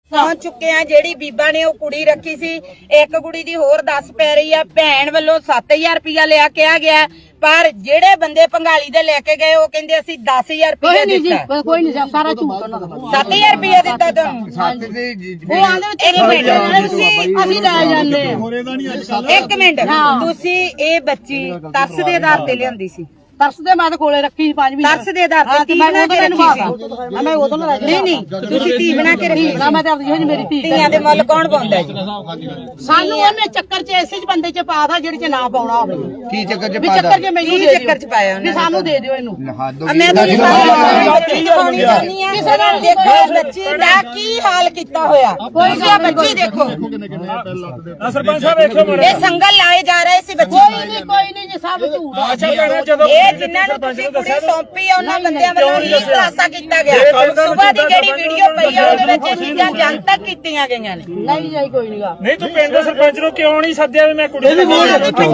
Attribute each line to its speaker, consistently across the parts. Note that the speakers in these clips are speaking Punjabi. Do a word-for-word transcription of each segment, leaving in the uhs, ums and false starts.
Speaker 1: ਪਹੁੰਚ ਚੁੱਕੇ ਆ। ਜਿਹੜੀ ਬੀਬਾ ਨੇ ਉਹ ਕੁੜੀ ਰੱਖੀ ਸੀ, ਇੱਕ ਕੁੜੀ ਦੀ ਹੋਰ ਦੱਸ ਪੈ ਰਹੀ ਆ ਭੈਣ ਵੱਲੋਂ ਸੱਤ ਹਜ਼ਾਰ ਰੁਪਇਆ ਲਿਆ ਕਿਹਾ ਗਿਆ, ਪਰ ਜਿਹੜੇ ਬੰਦੇ ਭੰਗਾਲੀ ਦੇ ਲੈ ਕੇ ਗਏ ਉਹ ਕਹਿੰਦੇ ਅਸੀਂ ਦਸ ਹਜ਼ਾਰ ਰੁਪਇਆ ਦਿੱਤਾ।
Speaker 2: ਕੋਈ ਨਹੀਂ, ਸਾਰਾ ਝੂਠ ਉਹਨਾਂ ਦਾ।
Speaker 1: ਸੱਤ ਹਜ਼ਾਰ ਰੁਪਇਆ ਦਿੱਤਾ ਤੁਹਾਨੂੰ?
Speaker 2: ਉਹ ਆਂਦੇ ਤੇਰੇ ਬੇਟੇ ਅਸੀਂ ਲੈ ਜਾਂਦੇ।
Speaker 1: ਇੱਕ ਮਿੰਟ, ਤੁਸੀਂ ਇਹ ਬੱਚੀ ਤਰਸ ਦੇ ਆਧਾਰ ਤੇ ਲਿਆਂਦੀ ਸੀ?
Speaker 2: ਤਰਸ ਦੇ ਮੈਂ ਤਾਂ ਕੋਲੇ ਰੱਖੀ ਸੀ ਪੰਜ ਮਹੀਨੇ।
Speaker 1: ਤਰਸ ਦੇ ਆਧਾਰ ਤੇ ਧੀ ਬਣਾ ਕੇ ਰੱਖੀ ਸੀ?
Speaker 2: ਮੈਂ ਉਦੋਂ ਨਾ
Speaker 1: ਨਹੀਂ ਨਹੀਂ, ਤੁਸੀਂ ਧੀ ਬਣਾ ਕੇ ਰੱਖੀ
Speaker 2: ਨਾ, ਮੈਂ ਤਾਂ ਆਪਣੀ ਜਿਹੀ ਮੇਰੀ ਧੀ।
Speaker 1: ਧੀਆਂ ਦੇ ਮੁੱਲ ਕੌਣ ਪਾਉਂਦਾ ਜੀ?
Speaker 2: ਸਾਨੂੰ ਉਹਨੇ ਚੱਕਰ ਚ ਐਸੇ ਚ ਬੰਦੇ ਚ ਪਾਦਾ ਜਿਹੜੇ ਚ ਨਾ ਪਾਉਣਾ ਹੋਵੇ।
Speaker 3: ਕੀ ਚੱਕਰ ਚ
Speaker 2: ਵੀ
Speaker 3: ਪਾਦਾ?
Speaker 2: ਚੱਕਰ ਚ ਮੈਨੂੰ
Speaker 1: ਕੀ
Speaker 2: ਦੇ
Speaker 1: ਚੱਕਰ ਚ ਪਾਇਆ
Speaker 2: ਵੀ ਸਾਨੂੰ ਦੇ ਦਿਓ ਇਹਨੂੰ।
Speaker 1: ਮੈਂ ਤੁਹਾਨੂੰ ਸਾਰੀ ਬੱਚੀ ਦਿਖਾਉਣੀ ਚਾਹੁੰਦੀ ਆ। ਕਿਸੇ ਨਾਲ ਦੇਖੋ ਬੱਚੀ ਦਾ ਕੀ ਹਾਲ ਕੀਤਾ ਹੋਇਆ। ਤੁਸੀਂ ਆ ਬੱਚੀ ਦੇਖੋ।
Speaker 4: ਸਰਪੰਚ ਸਾਹਿਬ ਵੇਖੋ ਮਾੜਾ।
Speaker 1: ਇਹ ਸੰਗਲ ਲਾਏ ਜਾ ਰਹੇ ਸੀ ਬੱਚੀ।
Speaker 2: ਕੋਈ ਨਹੀਂ ਕੋਈ ਨਹੀਂ ਜੀ, ਸਭ ਝੂਠ ਆ।
Speaker 4: ਅੱਛਾ ਭੈਣਾ, ਜਦੋਂ
Speaker 1: ਇਹ ਜਿਨ੍ਹਾਂ ਨੂੰ ਤੁਸੀਂ ਕੁੜੀ ਸੌਂਪੀ ਆ ਉਹਨਾਂ ਬੰਦਿਆਂ ਵੱਲੋਂ ਹੀ ਖੁਲਾਸਾ ਕੀਤਾ ਗਿਆ। ਸੁਬਾਹ ਦੀ ਜਿਹੜੀ ਵੀਡੀਓ ਪਈ ਆ ਉਹਦੇ ਵਿੱਚ ਇਹ ਚੀਜ਼ਾਂ ਜਨਤਕ ਕੀਤੀਆਂ ਗਈਆਂ ਨੇ।
Speaker 2: ਨਹੀਂ ਨਹੀਂ ਕੋਈ ਨਹੀਂ ਗਾ।
Speaker 4: ਨਹੀਂ ਤੂੰ ਪਿੰਡ ਦੇ ਸਰਪੰਚ ਨੂੰ ਕਿਉਂ ਨਹੀਂ ਸੱਦਿਆ ਵੀ ਮੈਂ ਕੁੜੀ ਨੂੰ
Speaker 1: ਦੱਸਿਆ
Speaker 4: ਐਸਾ ਕੋਲ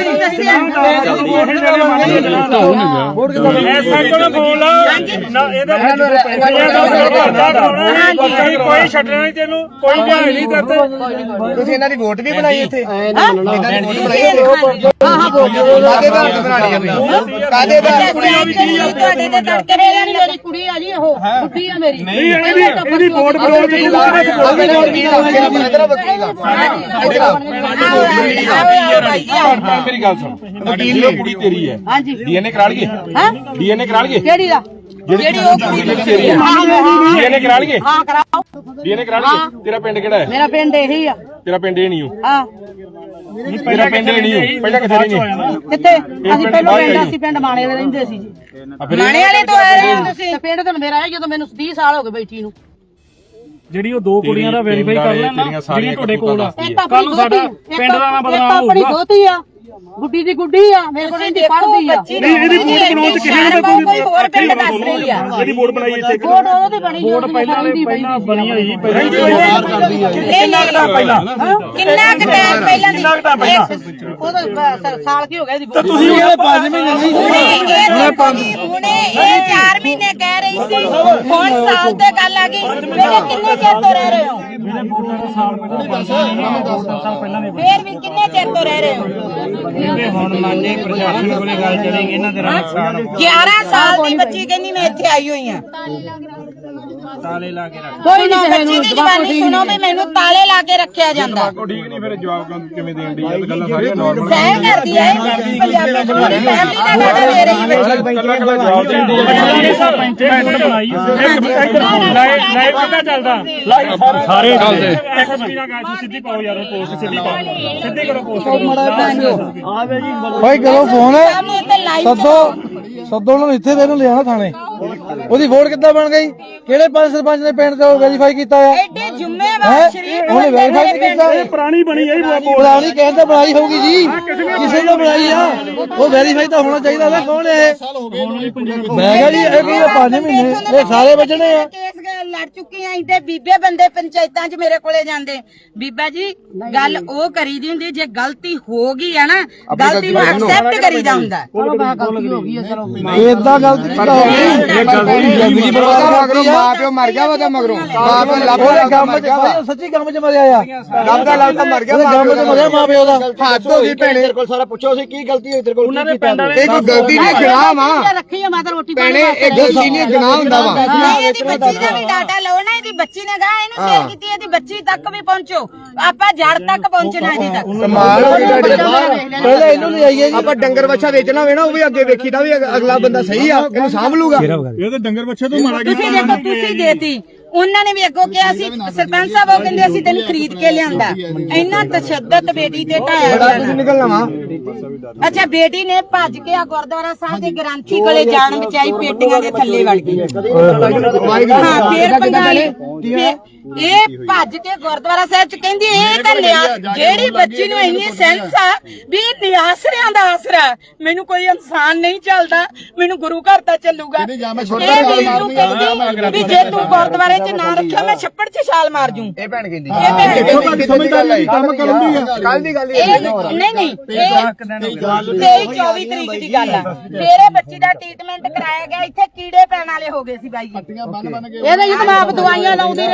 Speaker 4: ਬੋਲ ਨਾ, ਇਹਦਾ ਕੋਈ ਛੱਡਣਾ ਨਹੀਂ ਤੈਨੂੰ, ਕੋਈ ਭੈਣ ਨਹੀਂ ਕਰਦੇ।
Speaker 3: ਤੁਸੀਂ ਇਹਨਾਂ ਦੀ ਵੋਟ ਵੀ ਬਣਾਈ ਇੱਥੇ?
Speaker 2: ਹਾਂ ਹਾਂ ਬੋਲ
Speaker 3: ਕਾਦੇ ਦਾ ਬਣਾਣੀ ਆ ਬਈ? ਕਾਦੇ ਦਾ?
Speaker 1: ਤੁਹਾਡੇ ਤੇ ਤੜਕੇ
Speaker 2: ਮੇਰੀ ਮੇਰੀ ਕੁੜੀ ਆ ਜੀ, ਉਹ ਕੁੜੀ ਆ ਮੇਰੀ।
Speaker 4: ਨਹੀਂ ਇਹਦੀ ਇਹਦੀ ਵੋਟ ਬਣਾਉਣ ਦੀ
Speaker 5: ਮੇਰੀ ਗੱਲ ਸੁਣ, ਵਕੀਲ ਨੇ ਕੁੜੀ ਤੇਰੀ ਹੈ,
Speaker 2: ਹਾਂਜੀ
Speaker 5: ਡੀਐਨਏ ਕਰਾ ਲਈਏ?
Speaker 2: ਹਾਂ
Speaker 5: ਡੀਐਨਏ ਕਰਾ ਲਈਏ?
Speaker 2: ਕਿਹੜੀ ਦਾ?
Speaker 1: ਜਿਹੜੀ ਉਹ ਕੁੜੀ
Speaker 5: ਤੇਰੀ ਹੈ, ਡੀਐਨਏ ਕਰਾ ਲਈਏ?
Speaker 2: ਹਾਂ ਕਰਾਓ।
Speaker 5: ਡੀਐਨਏ ਕਰਾ ਲਈਏ? ਤੇਰਾ ਪਿੰਡ ਕਿਹੜਾ ਹੈ?
Speaker 2: ਮੇਰਾ ਪਿੰਡ ਇਹੀ ਆ।
Speaker 5: ਤੇਰਾ ਪਿੰਡ ਇਹ ਨਹੀਂ ਹੋ?
Speaker 2: ਹਾਂ
Speaker 5: ਤੇਰਾ ਪਿੰਡ ਇਹ ਨਹੀਂ ਹੋ? ਪਹਿਲਾਂ ਕਿੱਥੇ ਰਹਿੰਦੇ?
Speaker 2: ਕਿੱਥੇ? ਅਸੀਂ ਪਹਿਲਾਂ ਪਿੰਡ ਅਸੀਂ ਪਿੰਡ ਮਾਣੇ ਵਾਲੇ ਰਹਿੰਦੇ ਸੀ ਜੀ।
Speaker 1: ਮਾਣੇ ਵਾਲੇ ਤੋਂ ਆ ਰਹੇ ਹੋ ਤੁਸੀਂ?
Speaker 2: ਤੇ ਪਿੰਡ ਤਾਂ ਮੇਰਾ ਹੈ ਜਦੋਂ ਮੈਨੂੰ ਵੀਹ ਸਾਲ ਹੋ ਗਏ ਬੈਠੀ ਨੂੰ।
Speaker 4: ਜਿਹੜੀ ਉਹ ਦੋ ਕੁੜੀਆਂ ਦਾ ਵੈਰੀਫਾਈ ਕਰ ਲੈਣਾ ਜਿਹੜੀਆਂ ਤੁਹਾਡੇ ਕੋਲ ਆ।
Speaker 2: ਇੱਕ ਆਪਣੀ ਦੋਤੀ,
Speaker 4: ਪਿੰਡ ਦਾ ਨਾਮ ਬਦਨਾਮ
Speaker 2: ਇੱਕ ਆਪਣੀ
Speaker 4: ਹੋਊਗਾ।
Speaker 2: ਦੋਤੀ ਆ, ਗੁੱਡੀ ਦੀ ਗੁੱਡੀ ਆ, ਮੇਰੇ ਕੋਲ ਇਹਦੀ ਪੜ੍ਹਦੀ ਆ।
Speaker 4: ਨਹੀਂ ਇਹਦੀ ਵੋਟ ਬਣਾਉਣ ਚ ਕਿਸੇ ਨੇ
Speaker 1: ਕੋਈ ਹੋਰ ਪਿੰਡ ਦੱਸ ਰਹੀ ਆ।
Speaker 4: ਇਹਦੀ ਵੋਟ ਬਣਾਈ ਇੱਥੇ?
Speaker 2: ਵੋਟ ਉਹਦੇ ਬਣੀ
Speaker 4: ਵੋਟ ਪਹਿਲਾਂ ਪਹਿਲਾਂ ਬਣੀ ਹੋਈ ਪਹਿਲਾਂ
Speaker 1: ਕਿੰਨਾ ਕੁ ਪਹਿਲਾਂ ਕਿੰਨਾ ਕੁ ਟਾਈਮ ਪਹਿਲਾਂ ਦੀ?
Speaker 2: ਉਹਦਾ ਸਾਲ ਕੀ ਹੋ ਗਿਆ ਇਹਦੀ ਵੋਟ?
Speaker 4: ਤੁਸੀਂ ਇਹ ਪੰਜ ਮਹੀਨੇ ਨਹੀਂ
Speaker 1: ਹੁਣੇ ਹੁਣੇ ਇਹ ਚਾਰ ਮਹੀਨੇ ਕਹਿ ਰਹੀ ਸੀ, ਹੁਣ ਸਾਲ ਤੇ ਗੱਲ ਆ ਗਈ। ਮੇਰੇ ਕਿੰਨੇ ਚਿਰ ਤੋਂ ਰਹਿ ਰਹੇ ਹੋ?
Speaker 4: ਮੇਰੇ ਵੋਟਾਂ ਦਾ ਸਾਲ ਪਹਿਲਾਂ ਸਾਲ ਪਹਿਲਾਂ ਦੇ
Speaker 1: ਫੇਰ ਵੀ ਕਿੰਨੇ ਚਿਰ ਤੋਂ ਰਹਿ ਰਹੇ ਹੋ?
Speaker 4: ਹੁਣ ਮੰਨੇ ਪ੍ਰਸ਼ਾਸਨ ਕੋਲੇ ਗੱਲ ਚਲੇਗੀ ਇਹਨਾਂ ਦੇ ਨੁਕਸਾਨ
Speaker 1: ਗਿਆਰਾਂ ਸਾਲ ਦੀ ਬੱਚੀ ਕਹਿੰਦੀ ਮੈਂ ਇੱਥੇ ਆਈ ਹੋਈ ਆ।
Speaker 4: ਤਾਲੇ ਲਾ ਕੇ ਰੱਖ।
Speaker 2: ਕੋਈ
Speaker 1: ਸੁਣੋ
Speaker 2: ਨਹੀਂ
Speaker 1: ਬੱਚੀ ਦੀ ਜਵਾਨੀ ਸੁਣੋ ਵੀ ਮੈਨੂੰ ਤਾਲੇ ਲਾ ਕੇ ਰੱਖਿਆ ਜਾਂਦਾ।
Speaker 5: ਠੀਕ ਨਹੀਂ, ਫਿਰ ਜਵਾਬ ਕਿਵੇਂ ਦੇਣ ਦੀ? ਇਹ ਗੱਲਾਂ ਸਾਰੀਆਂ ਨਾਰਮਲ
Speaker 1: ਸਹਿ ਕਰਦੀ ਹੈ ਪੰਜਾਬੀ ਚ ਪੂਰੀ ਫੈਮਿਲੀ ਦਾ ਡਾਟਾ ਦੇ ਰਹੀ ਬੱਚੀ।
Speaker 5: ਕੱਲਾ ਕੱਲਾ ਜਵਾਬ ਦੇਣ ਦੀ
Speaker 4: ਬਣਾਈ ਲਾਈਵ ਕਿੱਦਾਂ ਚੱਲਦਾ? ਸਾਰੇ ਚੱਲਦੇ। ਐਸਐਸਪੀ ਨਾਲ ਗੱਲ ਸਿੱਧੀ ਪਾਓ ਯਾਰ, ਪੋਸਟ ਸਿੱਧੀ ਪਾਓ, ਸਿੱਧੀ ਕਰੋ ਪੋਸਟ।
Speaker 6: ਭਾਈ ਕਰੋ ਫੋਨ,
Speaker 1: ਸਾਹਮਣੇ ਇੱਥੇ ਲਾਈਵ
Speaker 6: ਸੱਦੋ ਸੱਦੋ ਉਹਨਾਂ ਨੂੰ ਇੱਥੇ ਦੇ ਨੂੰ ਲਿਆਣਾ ਥਾਣੇ। ਉਹਦੀ ਵੋਟ ਕਿੱਦਾਂ ਬਣ ਗਈ? ਕਿਹੜੇ ਪੰਜ ਸਰਪੰਚ ਨੇ ਪਿੰਡ ਤੋਂ ਵੈਰੀਫਾਈ ਕੀਤਾ ਆ?
Speaker 1: ਐਡੇ ਜ਼ਿੰਮੇਵਾਰ ਸ਼ਰੀਫ
Speaker 6: ਉਹਨੇ ਵੈਰੀਫਾਈ ਨਹੀਂ ਕੀਤਾ।
Speaker 4: ਇਹ ਪੁਰਾਣੀ ਬਣੀ ਹੈ
Speaker 6: ਪੁਰਾਣੀ ਕਹਿੰਦਾ ਬਣਾਈ ਹੋਊਗੀ ਜੀ, ਕਿਸੇ ਨੇ ਬਣਾਈ ਆ, ਉਹ ਵੈਰੀਫਾਈ ਤਾਂ ਹੋਣਾ ਚਾਹੀਦਾ ਨਾ। ਕੌਣ ਹੈ ਇਹ? ਮੈਂ ਕਿਹਾ ਜੀ ਇਹ ਕੀ ਪੰਜ ਮਹੀਨੇ ਇਹ ਸਾਰੇ ਵੱਜਣੇ ਆ।
Speaker 1: ਕੇਸ ਲੜ ਚੁੱਕੀ ਆਂ ਤੇ ਬੀਬੇ ਬੰਦੇ ਪੰਚਾਇਤਾਂ 'ਚ ਮੇਰੇ ਕੋਲੇ ਜਾਂਦੇ। ਬੀਬਾ ਜੀ ਗੱਲ ਉਹ ਕਰੀਦੀ ਹੁੰਦੀ, ਜੇ ਗਲਤੀ ਹੋ ਗਈ ਆ ਨਾ ਗਲਤੀ ਨੂੰ ਐਕਸੈਪਟ ਕਰੀਦਾ ਹੁੰਦਾ।
Speaker 2: ਗਲਤੀ ਹੋ ਗਈ ਆ, ਚਲੋ
Speaker 6: ਏਦਾਂ ਗਲਤੀ ਕਿੱਦਾਂ ਹੋ ਗਈ? ਜ਼ਿੰਦਗੀ ਬਰਬਾਦ
Speaker 3: ਮਗਰੋਂ ਮਾਂ ਪਿਓ ਮਰ ਗਿਆ ਉਹਦਾ, ਮਗਰੋਂ ਮਾਂ ਪਿਓ ਲੱਭ ਲੱਭ ਮਰ ਗਿਆ ਵਾ।
Speaker 6: ਸੱਚੀ ਕੰਮ 'ਚ ਮਰਿਆ ਆ,
Speaker 3: ਲੱਭਦਾ ਲੱਭਦਾ ਮਰ ਗਿਆ।
Speaker 6: ਕੰਮ 'ਚ ਮਰਿਆ ਮਾਂ ਪਿਓ ਦਾ।
Speaker 3: ਹੱਥ ਹੋ ਗਈ ਭੈਣੇ, ਤੇਰੇ ਕੋਲ ਸਾਰਾ ਪੁੱਛੋ ਸੀ ਕੀ ਗਲਤੀ ਹੋਈ ਤੇਰੇ ਕੋਲ?
Speaker 4: ਉਹਨਾਂ ਦੇ ਪਿੰਡ ਵਾਲੇ
Speaker 3: ਇਹ ਕੋਈ ਗਲਤੀ ਨਹੀਂ, ਗੁਨਾਹ ਵਾ
Speaker 2: ਰੱਖੀ ਆ ਮੈਂ ਤਾਂ ਰੋਟੀ
Speaker 3: ਭੈਣੇ। ਇਹ ਗਲਤੀ ਨਹੀਂ, ਗੁਨਾਹ ਹੁੰਦਾ ਵਾ।
Speaker 1: ਨਹੀਂ ਇਹਦੀ ਬੱਚੀ ਦਾ ਵੀ ਡਾਟਾ ਲਓ ਨਾ। ਇਹਦੀ ਬੱਚੀ ਨੇ ਕਹਾ ਇਹਨੂੰ ਸ਼ੇਅਰ ਕੀਤੀ, ਇਹਦੀ ਬੱਚੀ ਤੱਕ ਵੀ ਪਹੁੰਚੋ। ਆਪਾਂ ਜੜ ਤੱਕ ਪਹੁੰਚਣਾ ਇਹਦੀ ਤੱਕ।
Speaker 3: ਕਮਾਲ ਹੋ ਗਈ ਤੁਹਾਡੀ।
Speaker 6: ਪਹਿਲੇ ਇਹਨੂੰ ਲੈ ਆਈਏ ਜੀ।
Speaker 3: ਆਪਾਂ ਡੰਗਰ ਬੱਚਾ ਵੇਚਣਾ ਹੋਵੇ ਨਾ, ਉਹ ਵੀ ਅੱਗੇ ਵੇਖੀਦਾ ਵੀ ਅਗਲਾ ਬੰਦਾ ਸਹੀ ਆ, ਇਹਨੂੰ ਸਾਂਭ ਲੂਗਾ।
Speaker 4: ਇਹ ਤਾਂ ਡੰਗਰ ਬੱਚੇ ਤੋਂ ਮਾਰਾ
Speaker 1: ਤੁਸੀਂ ਦੇਖੋ, ਤੁਸੀਂ ਦੇਤੀ, ਉਹਨਾਂ ਨੇ ਵੀ ਅੱਗੋਂ ਕਿਹਾ ਸੀ ਸਰਪੰਚ ਸਾਹਿਬ, ਉਹ ਕਹਿੰਦੇ ਅਸੀਂ ਤੈਨੂੰ ਖਰੀਦ ਕੇ ਲਿਆਂਦਾ। ਇੰਨਾ ਤਸ਼ੱਦਦ ਬੇਟੀ ਤੇ ਢਾਇਆ।
Speaker 3: ਨਿਕਲਣਾ ਵਾ।
Speaker 1: ਅੱਛਾ, ਬੇਟੀ ਨੇ ਭੱਜ ਕੇ ਆ ਗੁਰਦੁਆਰਾ ਸਾਹਿਬ ਦੇ ਗ੍ਰੰਥੀ ਕੋਲੇ ਜਾਣ ਬਚਾਈ, ਪੇਟੀਆਂ ਦੇ ਥੱਲੇ ਵੜ ਗਈ। ਹਾਂ ਫੇਰ ਪੰਗਾਲੀ ਇਹ ਭੱਜ ਕੇ ਗੁਰਦੁਆਰਾ ਸਾਹਿਬ ਚ ਕਹਿੰਦੀ ਇਹ ਤਾਂ ਜਿਹੜੀ ਬੱਚੀ ਨੂੰ ਇੰਨੀ ਸੈਂਸ ਆ ਵੀ ਨਿਆਸਰਿਆਂ ਦਾ ਆਸਰਾ, ਮੈਨੂੰ ਕੋਈ ਇਨਸਾਨ ਨਹੀਂ ਚੱਲਦਾ, ਮੈਨੂੰ ਗੁਰੂ ਘਰ ਤਾਂ ਚੱਲੂਗਾ। ਇਹ ਵੀਰ ਨੂੰ ਕਹਿੰਦੀ ਵੀ ਜੇ ਤੂੰ ਗੁਰਦੁਆਰੇ ਚ ਨਾ ਰੱਖਿਆ ਮੈਂ ਛੱਪੜ ਚ ਛਾਲ ਮਾਰ ਜੂ।
Speaker 3: ਇਹ ਭੈਣ ਕਹਿੰਦੀ
Speaker 1: ਇਹ ਭੈਣ
Speaker 3: ਸਮਝਦਾਰੀ ਕੰਮ ਕਰਨ ਦੀ ਆ। ਕੱਲ ਦੀ ਗੱਲ
Speaker 1: ਇਹ ਨਹੀਂ ਨਹੀਂ ਤੇਈ ਚੌਵੀ ਤਰੀਕ ਦੀ ਗੱਲ ਆ। ਮੇਰੇ ਬੱਚੀ ਦਾ ਟ੍ਰੀਟਮੈਂਟ ਕਰਾਇਆ ਗਿਆ, ਇੱਥੇ ਕੀੜੇ ਪੈਣ ਵਾਲੇ ਹੋ ਗਏ ਸੀ ਬਾਈ ਜੀ।
Speaker 2: ਇਹਦੇ ਜੀ ਮੈਂ ਆਪ ਦਵਾਈਆਂ ਲਾਉਂਦੀ ਰਹੀ ਆ ਭੈਣੇ।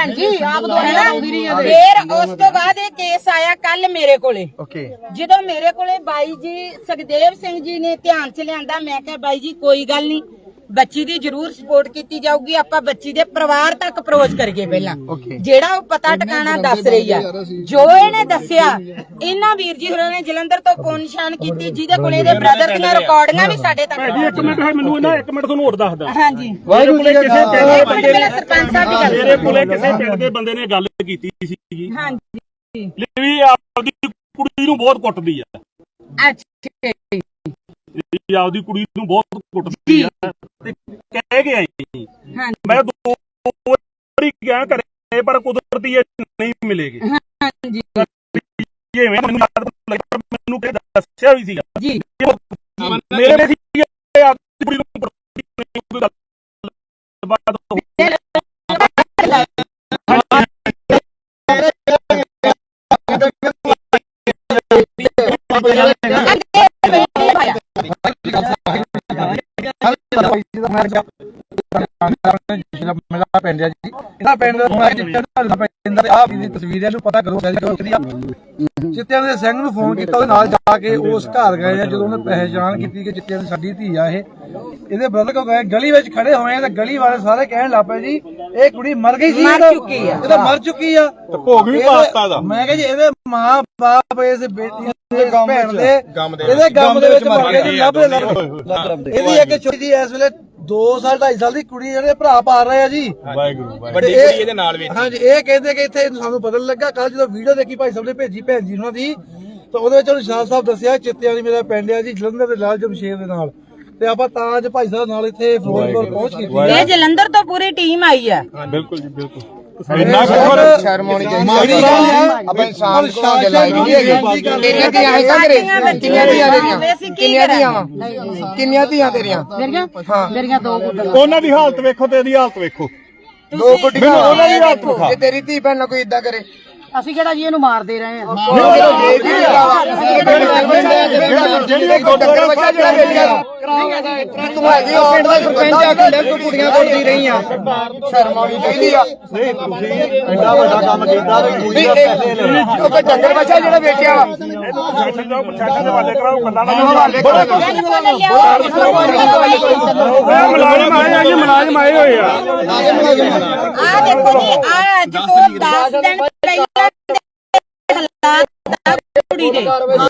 Speaker 2: ਭੈਣ ਜੀ ਆਪ ਦੋਨੇ ਆਉਂਦੀ ਰਹੀ ਹੈ
Speaker 1: ਫਿਰ ਉਸ ਤੋਂ ਬਾਅਦ ਇਹ ਕੇਸ ਆਇਆ ਕੱਲ ਮੇਰੇ ਕੋਲੇ।
Speaker 3: ਓਕੇ
Speaker 1: ਜਦੋਂ ਮੇਰੇ ਕੋਲੇ ਬਾਈ ਜੀ ਸੁਖਦੇਵ ਸਿੰਘ ਜੀ ਨੇ ਧਿਆਨ ਚ ਲਿਆਂਦਾ, ਮੈਂ ਕਿਹਾ ਬਾਈ ਜੀ ਕੋਈ ਗੱਲ ਨਹੀਂ, ਬੱਚੀ ਦੀ ਜ਼ਰੂਰ ਸਪੋਰਟ ਕੀਤੀ ਜਾਊਗੀ, ਆਪਾਂ ਬੱਚੀ ਦੇ ਪਰਿਵਾਰ ਤੱਕ ਅਪਰੋਚ ਕਰੀਏ ਪਹਿਲਾਂ, ਜਿਹੜਾ ਉਹ ਪਤਾ ਟਿਕਾਣਾ ਦੱਸ ਰਹੀ ਆ। ਜੋ ਇਹਨੇ ਦੱਸਿਆ, ਇਹਨਾਂ ਵੀਰ ਜੀ ਹੋਰਾਂ ਨੇ ਜਲੰਧਰ ਤੋਂ ਫੋਨ ਨਿਸ਼ਾਨ ਕੀਤੀ, ਜਿਹਦੇ ਕੋਲੇ ਇਹਦੇ ਬ੍ਰਦਰ ਦੀਆਂ ਰਿਕਾਰਡਿੰਗਾਂ ਵੀ ਸਾਡੇ ਤੱਕ।
Speaker 4: ਇੱਕ ਮਿੰਟ ਮੈਨੂੰ ਨਾ ਇੱਕ ਮਿੰਟ ਤੁਹਾਨੂੰ ਹੋਰ ਦੱਸਦਾ।
Speaker 1: ਹਾਂਜੀ
Speaker 6: ਵਾਹਿਗੁਰੂ ਜੀ
Speaker 4: ਕਿਸੇ ਪਿੰਡ ਦੇ ਬੰਦੇ ਨੇ
Speaker 1: ਸਰਪੰਚ ਸਾਹਿਬ ਦੀ ਗੱਲ
Speaker 4: ਮੇਰੇ ਕੋਲੇ ਕਿਸੇ ਪਿੰਡ ਦੇ ਬੰਦੇ ਨੇ ਗੱਲ ਕੀਤੀ ਸੀਗੀ
Speaker 1: ਹਾਂਜੀ
Speaker 4: ਵੀ ਆਪਦੀ ਕੁੜੀ ਨੂੰ ਬਹੁਤ ਕੁੱਟਦੀ ਆ,
Speaker 1: ਅੱਛਾ
Speaker 4: ਵੀ ਆਪਦੀ ਕੁੜੀ ਨੂੰ ਬਹੁਤ ਕੁੱਟਦੀ ਆ ਤੇ ਕਹਿ ਕੇ ਆਈ। ਮੈਂ ਦੋ ਵਾਰੀ ਗਿਆ ਘਰੇ ਪਰ ਕੁਦਰਤੀ ਇਹ ਨਹੀਂ ਮਿਲੇਗੀ।
Speaker 1: ਹਾਂਜੀ
Speaker 4: ਇਹ ਮੈਨੂੰ ਯਾਦ ਲੱਗਾ, ਮੈਨੂੰ ਕਿ ਦੱਸਿਆ ਵੀ ਸੀਗਾ
Speaker 1: ਜੀ
Speaker 4: ਮੇਰੇ ਸੀ ਆਪਦੀ ਕੁੜੀ ਨੂੰ ਬਾਤ
Speaker 6: ਮੇਰਾ ਪਿੰਡ ਹੈ ਜੀ, ਇਹਦਾ ਪਿੰਡ ਦਾ ਆਪ ਦੀ ਤਸਵੀਰ ਹੈ, ਨੂੰ ਪਤਾ ਕਰੋ ਚਿੱਤਿਆਂ ਦੇ ਸਿੰਘ ਨੂੰ ਫੋਨ ਕੀਤਾ, ਉਹਦੇ ਨਾਲ ਜਾ ਕੇ ਉਸ ਘਰ ਗਏ ਆ। ਜਦੋਂ ਉਹਨੇ ਪਹਿਚਾਣ ਕੀਤੀ ਕਿ ਚਿੱਤਿਆਂ ਦੀ ਸਾਡੀ ਧੀ ਆ, ਇਹ ਇਹਦੇ ਬ੍ਰਦਰ ਕੋਲ ਗਏ, ਗਲੀ ਵਿੱਚ ਖੜੇ ਹੋਏ ਆ ਤੇ ਗਲੀ ਵਾਲੇ ਸਾਰੇ ਕਹਿਣ ਲੱਗ ਪਏ ਜੀ ਇਹ ਕੁੜੀ ਮਰ ਗਈ ਸੀ,
Speaker 1: ਮਰ ਚੁੱਕੀ ਆ,
Speaker 6: ਇਹ ਤਾਂ ਮਰ ਚੁੱਕੀ ਆ, ਭੋਗ ਵੀ ਪਾਤਾ ਦਾ। ਮੈਂ ਕਿਹਾ ਜੀ ਇਹਦੇ ਮਾਂ ਬਾਪ ਇਸ ਬੇਟੀ ਦੇ ਭੈਣ ਦੇ ਇਹਦੇ ਗਮ ਦੇ ਵਿੱਚ ਮਰ ਗਏ ਜੀ, ਲੱਭ ਲੱਭ। ਇਹਦੀ ਇੱਕ ਛੋਟੀ ਜੀ ਇਸ ਵੇਲੇ ਦੋ ਸਾਲ ਢਾਈ ਸਾਲ ਦੀ ਕੁੜੀ ਜਿਹੜੇ ਭਰਾ ਪਾਲ ਰਹੇ ਆ ਜੀ,
Speaker 5: ਵਾਹਿਗੁਰੂ ਵੱਡੀ ਕੁੜੀ ਇਹਦੇ ਨਾਲ ਵਿੱਚ।
Speaker 6: ਹਾਂਜੀ ਇਹ ਕਹਿੰਦੇ ਕਿ ਇੱਥੇ ਸਾਨੂੰ ਪਤਾ ਲੱਗਾ ਕੱਲ ਜਦੋਂ ਵੀਡੀਓ ਦੇਖੀ ਭਾਈ ਸਾਹਿਬ ਨੇ ਭੇਜੀ ਭੈਣ ਜੀ ਉਹਨਾਂ ਦੀ, ਤਾਂ ਉਹਦੇ ਵਿੱਚ ਉਹਨੂੰ ਸ਼ਾਹ ਸਾਹਿਬ ਦੱਸਿਆ ਚਿੱਤਿਆਂ ਦੀ ਮੇਰਾ ਪਿੰਡ ਆ ਜੀ, ਜਲੰਧਰ ਦੇ ਲਾਲ ਜਮਸ਼ੇਰ ਦੇ ਨਾਲ, ਤੇ ਆਪਾਂ ਤਾਂ ਅੱਜ ਭਾਈ ਸਾਹਿਬ ਨਾਲ ਇੱਥੇ ਫਿਰੋਜ਼ਪੁਰ ਪਹੁੰਚ ਕੀਤੀ।
Speaker 1: ਇਹ ਜਲੰਧਰ ਤੋਂ ਪੂਰੀ ਟੀਮ ਆਈ ਆ।
Speaker 5: ਬਿਲਕੁਲ ਜੀ ਬਿਲਕੁਲ।
Speaker 3: ਇੰਨਾ ਸ਼ਰਮ ਆਉਣੀ ਚਾਹੀਦੀ ਆਪਾਂ ਇਨਸਾਨ ਕੋਲ ਗੱਲ ਆਈ ਨਹੀਂ ਹੈਗੀ। ਤੇਰੀਆਂ ਧੀਆਂ ਹੈ ਘਰੇ, ਕਿੰਨੀਆਂ ਧੀਆਂ ਤੇਰੀਆਂ, ਕਿੰਨੀਆਂ ਧੀਆਂ ਵਾ, ਕਿੰਨੀਆਂ ਧੀਆਂ ਤੇਰੀਆਂ?
Speaker 2: ਮੇਰੀਆਂ ਮੇਰੀਆਂ ਦੋ ਗੁੱਡੀਆਂ।
Speaker 4: ਉਹਨਾਂ ਦੀ ਹਾਲਤ ਵੇਖੋ ਤੇ ਇਹਦੀ ਹਾਲਤ ਵੇਖੋ।
Speaker 3: ਦੋ ਕੁੜੀਆਂ ਉਹਨਾਂ ਦੀ ਹਾਲਤ ਵਿਖਾ। ਜੇ ਤੇਰੀ ਧੀ ਭੈਣ ਨਾਲ ਕੋਈ ਇਦਾਂ ਕਰੇ,
Speaker 2: ਅਸੀਂ ਕਿਹੜਾ ਜੀ ਇਹਨੂੰ ਮਾਰਦੇ ਰਹੇ ਆ।
Speaker 3: ਜਿਹੜੀ ਡੰਗਰ ਬੱਚਾ ਜਿਹੜਾ ਵੇਚਿਆ ਤੂੰ ਹੈਗੀ ਉਹ ਪਿੰਡ ਦਾ ਸਰਪੰਚ ਆ, ਕਿੰਨੇ ਤੂੰ ਕੁੜੀਆਂ ਕੁੱਟਦੀ ਰਹੀ ਆ, ਸ਼ਰਮ ਆਉਣੀ ਚਾਹੀਦੀ ਆ।
Speaker 6: ਐਡਾ ਵੱਡਾ ਕੰਮ ਕੀਤਾ
Speaker 3: ਉਹ ਕੋਈ ਡੰਗਰ ਬੱਚਾ ਜਿਹੜਾ ਵੇਚਿਆ ਵਾ,
Speaker 4: ਪ੍ਰਸ਼ਾਸਨ ਜਾਓ, ਪ੍ਰਸ਼ਾਸਨ ਦੇ ਹਵਾਲੇ ਕਰਾਓ, ਗੱਲਾਂ ਨਾ
Speaker 3: ਹਵਾਲੇ ਕਰੋ।
Speaker 4: ਮੁਲਾਜ਼ਮ ਆਏ ਆ ਜੀ, ਮੁਲਾਜ਼ਮ ਆਏ ਹੋਏ ਆ।
Speaker 1: ਆ ਦੇਖੋ ਜੀ, ਆ ਅੱਜ ਤੋਂ ਦਸ ਦਿਨ ਪਹਿਲਾਂ ਦੇ ਹਾਲਾਤ ਆ ਕੁੜੀ ਦੇ।